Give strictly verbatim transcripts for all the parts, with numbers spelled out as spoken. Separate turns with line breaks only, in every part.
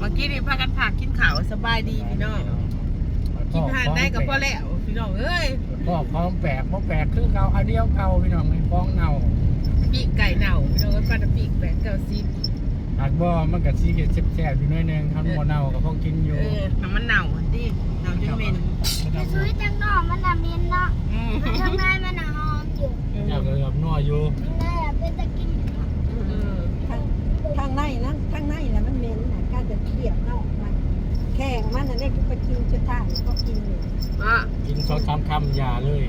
มื่อกี้นี่พากันผักกินข้าวสบายดีพี่น้องกินทานได้ก็พอแล้วพี่น้องเอ้ย
ก็พร้อมแปลกพร้อมแปลกคือเก่าอันเดียวเก่าพี่น้องไม่ฟ้องเน่า
ปีกไก่เน่าพี่น้องก็ปลาตะปีกแปดเก้าสิบ
หากบ่มันก็สิเฮ็ดแซ่บๆอยู่หน่อยนึงทำบ่เน่าก็พอกินอยู่
เออน้ำมันเน่าดิเน่าจนเหม็น
ไปซื้อจังนอกมันน่ะเหม็นเนาะ
อืม
ทางในมันน่ะหอมอยู่
อยากเลยกับนัวอยู่
ทางในอ่ะเป็นตะกิน
เออ
ทางทางในนั้นทางในน่ะมันเหม็นน่ะการจะเคี่ยวนอกมันแข้งมันน่ะได้ไปกินจุดท้ายก็กินอยู่
อ่ะ
กินสองสามคำอย่าเลย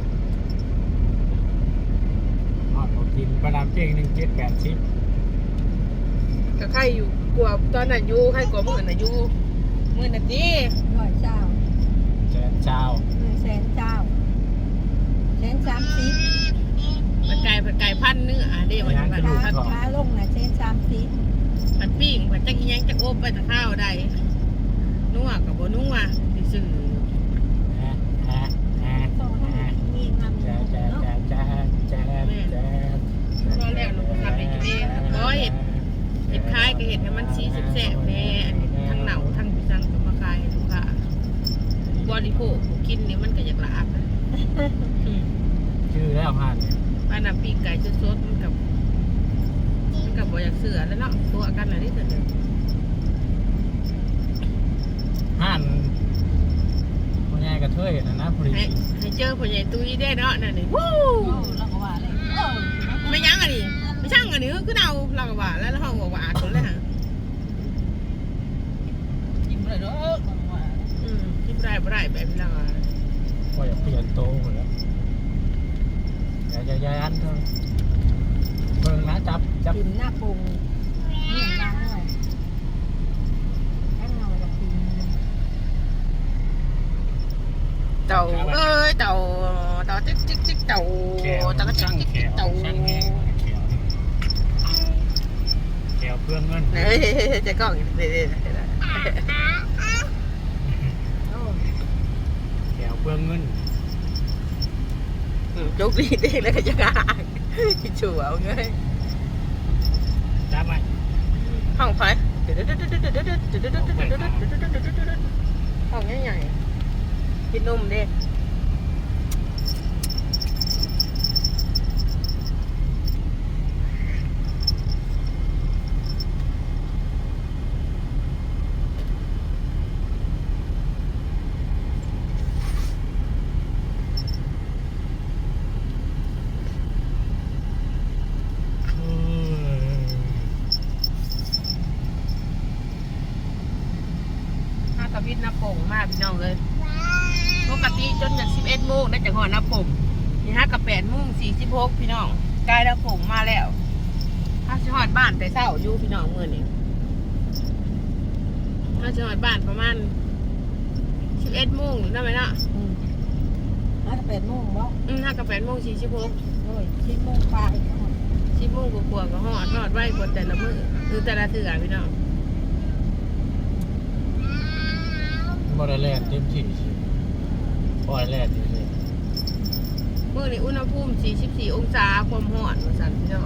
ฮอดบ่กินประดามเจ้งหนึ่งเจ็ดแปดสิบ
ก็ใครอยู่กลัวตอนนั้นอยู่ใครกลัวมื่อน่ะอยู่มื่อน่ะดิ
ร้อยเจ้า
แสนเจ้า
หนึ่งแสนเจ้าแสนสามสิบ
มันไก่ผัดไก่พันเนื้ออ่ะเด้มันผัด
ขา
ผัด
ขาลงน่ะแสนสามสิบ
ผัดปิ้งผัดจักอีหยังจักโอบไปตะข้าวได้นัวกับบ่นัวซื่อ
ฮะฮะฮะ
ต่อให้
ฮะ
มีงาม
แจ๊ะแจ๊ะ
เนาะ
แจ๊ะแจ๊ะแจ๊ะแจ๊ะ
ๆรอแล้วลูกทำให้กินเองร้อยเห็ดเห็ดคล้ายก็เห็ดให้มันสีแซ่บๆแน่อันนี้ทั้งเหนาทั้งพิซังก็มาขายให้ลูกค้าบริโภคผู้กินนี่มันก็อยากลาบนะอืม
ชื่อแล้วผ่านเนี่ย
ปลาหนังปีกไก่สดๆมันกับมันกับบ่อยากเสือแล้วเนาะตัวกันอะไรนี่เสร็จเลย
ห่านพ่อใหญ่กระเทยนะนะพอดี
ให้ให้เจอพ่อใหญ่ตุ้ยได้เนาะนั่นนี่วู้
เราก็ว่าเลยเออ
ไม่ยั้งอันนี้ไม่ช่างอันนี้คือเอาเราก็ว่าแล้วเราบอกว่าอาคนเลยฮะ
กินเลยเด้อ
อืมคิดได้บ่ได้แบบนี้เราอะ
ก็อยากเปลี่ยนโตหมดแล้วอย่าอย่าอย่าอันเถอะเบิ่งนะจับจับ
กินหน้าปรุงนี่ล้างเลยล้างเงาจะกิน
เต่าเอ้ยเต่าเต่าจิ๊กจิ๊กจิ๊กเต่า
แขว
เต่าก็จิ๊
ช่าก ง
จิ๊ก
แข
จิ๊ก
ว
เต่า
ช่างแหงแขวแขวเพื่องเงิน
เฮ้ยจะกล้องเด็ด
โอ้
แขวเพื่องเงิน
จุกดีเด็กแล้วก็จะกางชัวเอาเงย
จับไหม
ห้องไฟห้องใหญ่ๆกินนมเด้ห้ากระพิษน้ำโป่งมากพี่น้องเลยปกติจนจากสิบเอ็ดโมงได้จากหอน้ำโป่งนี่ห้ากับแปดโมงสี่สิบหกพี่น้องใกล้น้ำโป่งมาแล้วห้าสิหอดบ้านแต่เช้าอยู่พี่น้องเมื่อนี้ห้าสิหอดบ้านประมาณสิบเอ็ดโมงได้ไหมเนาะ
อืมห้าแปดโมงบ่
อืมห้ากับแปดโมงสี่สิบหก
โอ้ยสิบโมงปลาย
สิบโมงกว่าๆก็หอดหอดไว้กว่าแต่ละมื้อคือแต่ละเถื่อพี่น้อง
บ่ได้แล่นเต็มที่ปล่อยแล่นอยู่เลย
มื้อนี้อุณหภูมิสี่สิบสี่องศาความร้อนว่าซั่นพี่น้อง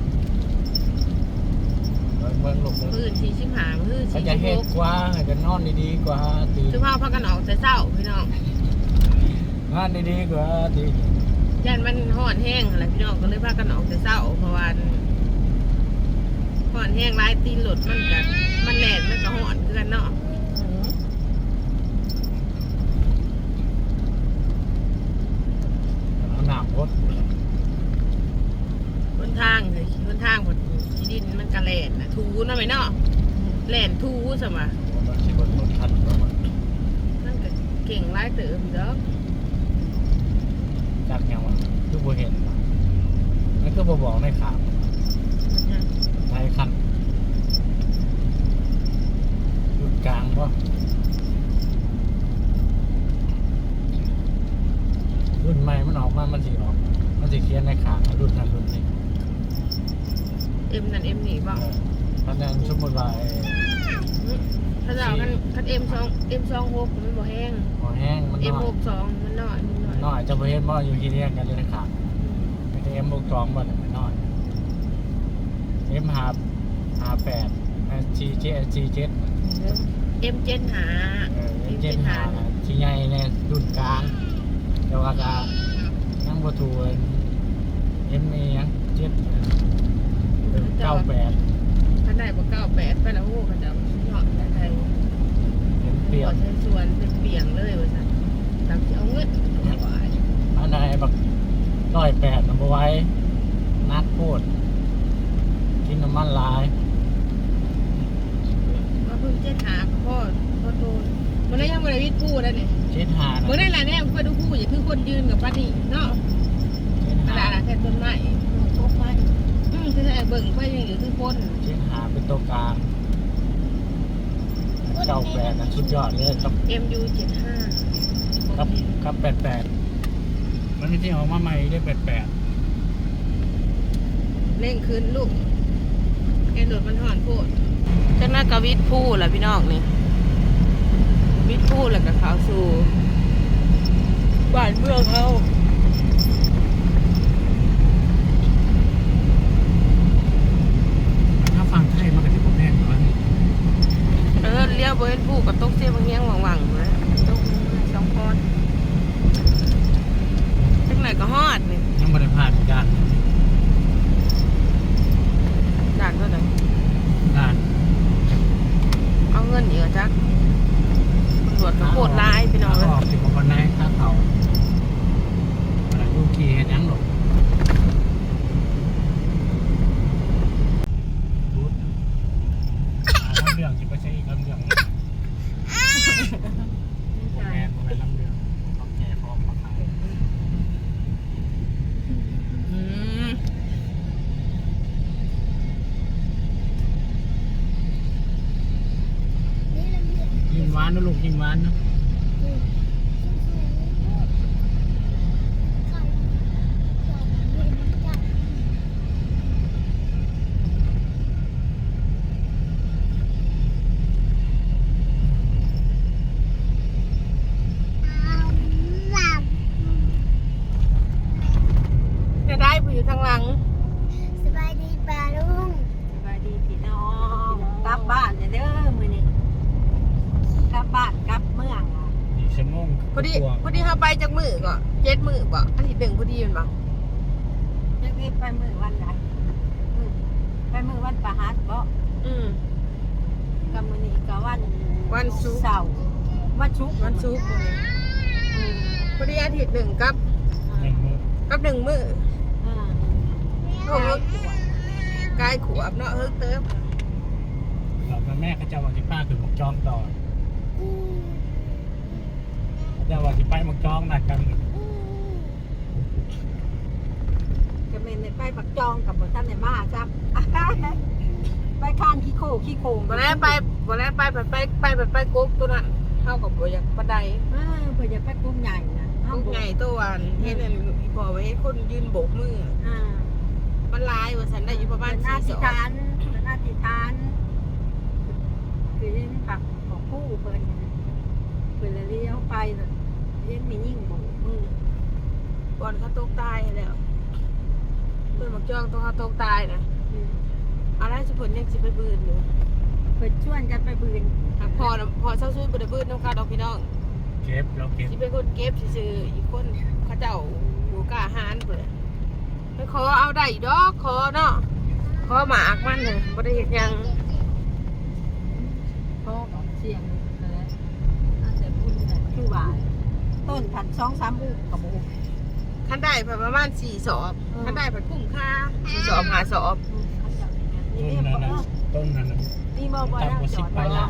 เบิ่งเบิ่งลง
มื้ออื่นสี่สิบห้ามื้อ
เขา
สี่
จะ
สิบ
เฮ็
ห
ด
ก
กว่าให้กันนอนดีๆกว่าตี
สุภาพพากันออกแต่เช้าพี่น้อง
งานดีๆกว่าตี
ย่านมันร้อนแห้งอะไรพี่น้องก็เลยพากันออกแต่เช้าเพราะว่าร้อนแห้งหลายตีนรถมันก็มันแล่นมันก็ร้อนคือกันเนาะ
อืม
เอาหนามรถ
บนทางเลยบนทางบนที่ดินมันก็แล่นน่ะทูเนาะไหมเนาะแล่นทูซะมา
รถสิบนรถทันประมาณ
มันก็เก่งหลายเติบเด้อ
จากยังวะคือบ่เห็นวะนั่นคือบ่บอกในข่าวไทยคันรุ่นกลางบ่รุ่นใหม่มันออกมามันสิออกมันสิเขียนในข่าวรุ่นนั้นรุ่นนี้
เอ็มนั่นเอ็มนี่บ่
เพราะฉะนั้นสมมติว่าไอ้
ถ้าเราคันคันเอ็มสองเอ็มสองหกมันบ่แห้ง
หอแห้งมัน
เอ็ม
น้อ
ห
ย
กสองมันน้อยมันน้อย
น้อยจะบ่เห็นบ่อยู่ที่เรียกกันเลยนะครับไม่ได้เอ็มบวกสองบ่เนี่ยมันน้อยเอ็มหาหาแปดจีเจจีเจ็ด
อืม
เอ็มเจนหา
เออเจ็ดหาชิ้นใหญ่ในรุ่นกลางแต่ว่าก็ยังบ่ถูกเอ็มนี่ยังเจ็ดเก้าแปด
ท่านใดบอกเก้าแปดไปแล้วโอ้เขาจะหอดแต่ไทย
เห็นเปรียบ
ใช้ส่วนเป็นเปียงเลยว่าสันตามที่เอาเงินเอาไว้
อันใดแบบร้อยแปดนำบ่ไว้นักโคตรกินน้ำมันหลาย
มาเพิ่งเจ็ดหาพ่อพ่อโตมันได้ยังบริวิตผู้แล้วเนี่ย
เจ็ดหา
เมื่อได้แหละเนี่ยเพื่อดูผู้อย่าคือคนยืนกับป้านี่เนาะ
เจ็ด
ข
หา
นาดแค่ต้นไม้
พบไม้
อืมคือแต่เบิ่งไปยังอยู่คือคน
เจ็ดหาเป็นตัวกลางเก้าแปดนะสุดยอดเลยกับ
เอ็มยูเจ็ดห้า
กับกับแปดแปดมันไม่ใช่ออกมาใหม่ได้แปดแปด
เร่งขึ้นลูกแกโดดมันห่อนโพดจากนั้นก็วิทย์ผู้แหละพี่น้องนี่วิทย์ผู้แล้วก็เขาสู่บ้านเมืองเขา
ถ้าฟังไทยมันก็จะบ่แพงกว่านี้
เออเลี้ยวบริเวณผู้กับตกเสียบางเงี้ยงหวังๆนะตกสองคนจังไหนก็ฮอดนี่
ยังบ่ได้ผ่านด่าน
ด่านเท่าไหร่
ด่าน
เอาเงินเยอะจักตำรวจก็โคตรร้ายพี่น้อง
ขา
เลย
ออกสิบกว่าคนในถ้าเขาอะไรลูกขี่เห็นยังหรอกรูดลำเรื่องจิไปใช้อีกลำเรื่องโมแมนโมแมนลำเรื่องเขาแก่พร้อมมาขาย
อืม
นี่ลำเลียง
ยิงหวานนะลูกยิงหวานนะ
อืมข้าวข้าวเย็นจัดเอาหลับ
จะได้ผู้อยู่ทางหลัง
สบายดีป่าลุง
สบายดีพี่น้องกลับบ้านเด้อมื้อนี้กลับบ้านกลับเมืองอ่ะ
อีกชั่วโมง
พอดี
กว่า
พอดีเขาไปจากมือก็เจ็ดมือบ่อาทิตย์หนึ่งพอดีแมันบ่
จะได้ไปมื้อวันใดอืมไปมื้อวันประหัสบ่
อืม
กับมื้อนี้ก็วัน
วันศุกร์
เสาร์วันศุกร์
วันศุกร์มื้อนี้
อืม
พอดีอาทิตย์หนึ่งกับ
หนึ่งมื้อ
กับหนึ่งมือ
อ่า
โอ้โหกายขวบเนาะเฮิร์กเติม
เราแม่เขาจะว่าที่ป้าคือหมกจองต่อ
อืม
เขาจะว่าที่ไปหมกจองนัดกัน
อืม
ก็แม่นได้ไปปักจองกับบ่ทันได้มาจ้ะ ไปข้านขี้โคขี้โคง
วันแรกไปวันแรกไปไปไปไปไปไปกบตัวนั้นเท่ากับบัวอยากบันได
เออเพิ่นจะไปกุ้งใหญ่นะ
ลูกใหญ่ตัววันเห็นอันอีพอไว้ให้คนยืนโบกมือ
อ่า
มันลายว่าฉันได้อยู่ประมาณ
เป็นห
สี่
น้า
ส
ที่
อง
ทานเป็นหน้าที่ทานคือยังผักของผู้เพิ่นน่ะเพิ่นเลยเลี้ยวไปน่ะเลี้ยงมียิ่งโบกมือบ
อลเขาตกตายแล้วเพื่อนบอกจ้องตัวเขาตกตายนะ
อืม
อะไรสุพลยังสิไปบืนอยู่
เพิ่นชวนกันไปบืน
หากพอนะพอเช้าซุยบไดบืนน้องคาดอกพี่น้อง
เก็บเราเก็บ
ที่เป็นคนเก็บซื่อๆอีกคนเขาเจ้าบูกล้าหารเปิดไปขอเอาได้ดอกขอเนาะขอหมากมันเลยบ่ได้เห็นยัง
พ่อของเสียงนั่นแหละน่าจะบุญน่ะคือว่าต้นพันสองสามอุกกับบุก
คันได้ผ่านประมาณสี่สอบคันได้ผ่านคุ้มค่าสี่สอบหาสอบ
เขาจะนี่
ต้น
เรียก
นั้น
ว่า
นะต้นนั้นนะ
นี่บ่บ่แล้วจอดไว้ละ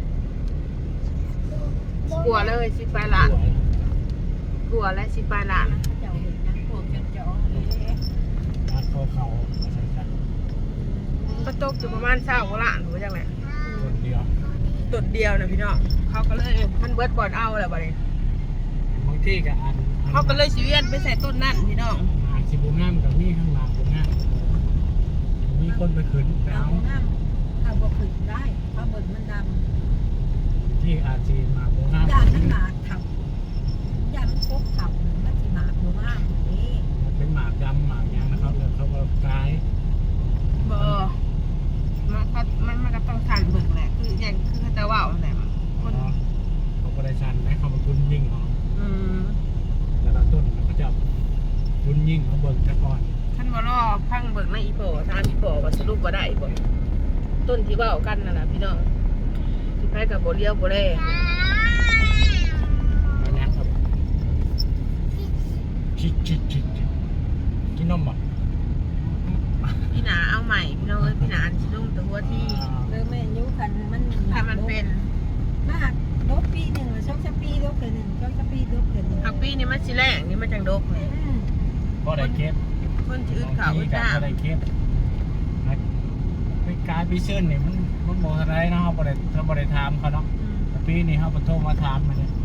กลัวเลยสิบปลายหลานกลัวและสิบปลายหลาน
เขาจะเห็นนังพวกเจ้าๆเลย
ร้านเขาเขามาใส่กัน
ก็ตกอยู่ประมาณเศร้ากว่าล้านหรือว่าจังไง
คนเดียว
ตุดเดียวนะพี่น้องเขาก็เลยมันเบิดบอลเอาแหละบัดนี้
บางที่ก็อัน
เขาก็เลยสิเวียนไปใส่ต้นนั่นพี่น้อง
อาชิบุงามกับนี่ข้างหลังบุงามมีคนไปขืนไป
เอา
เอา
น้ำเอาบ่ขึ้นได้เพราะเบิ่งมันดำ
ที่อาจีมาบุงาม
ย่านมันหมากเถ่าย่านมันพกเถ่ามันสิหมากบ่งามนี่
มันเป็นหมากดำหมากยางนะครับเลยเขาก็กลาย
บอมันก็มันมันก็ต้องทันเบิกแหละคืออย่างคือแต่ว่า
ยิ่งมาเบิ่งซะก่อน
ท่านบ่รอพังเบิกในอีโปทางอีโปว่าสรุปว่าได้บ่ต้นที่เว้ากันนั่นน่ะพี่น้องที่ไปกับบ่เลี้ยวบ่แล
มานั่งครับชิดชิดชิดชิดกินนมบ่
พี่หนาเอาใหม่พี่น้องเอ้ยพี่หนาสิลงแต่หัวที่
เริ่มแม่นยุคันมัน
ถ้ามันเป็น
มากลบปีหนึ่งหรือช่องจะปีลบเกินหนึ่งช่องจะปีลบเกินหนึ่ง
ผักปีนี่มันสิแรงนี่มันจังดกเลย
อืม
บ่ได้เก็บ
คนชื่อเขาว
บางที
จ้า
ก็บ่ได้เก็บไปกายไปเชิญนี่มันมันบ่ทันได้เนาะเฮาบ่ได้เฮาบ่ได้ถามเขาเนาะแต่ปีนี้เฮาบ่โทรมาถามมันนี่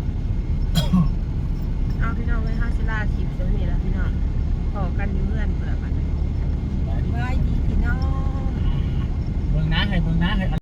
เอาพี่น้องไว้ห้าสิลาคลิปเดี๋ยวนี้ละพี่น้องพอกันอยู่เพื่อนเผื่อมัน
ไว้ดีพี่น้อง
เบิ่งนะให้เบิ่งนะให้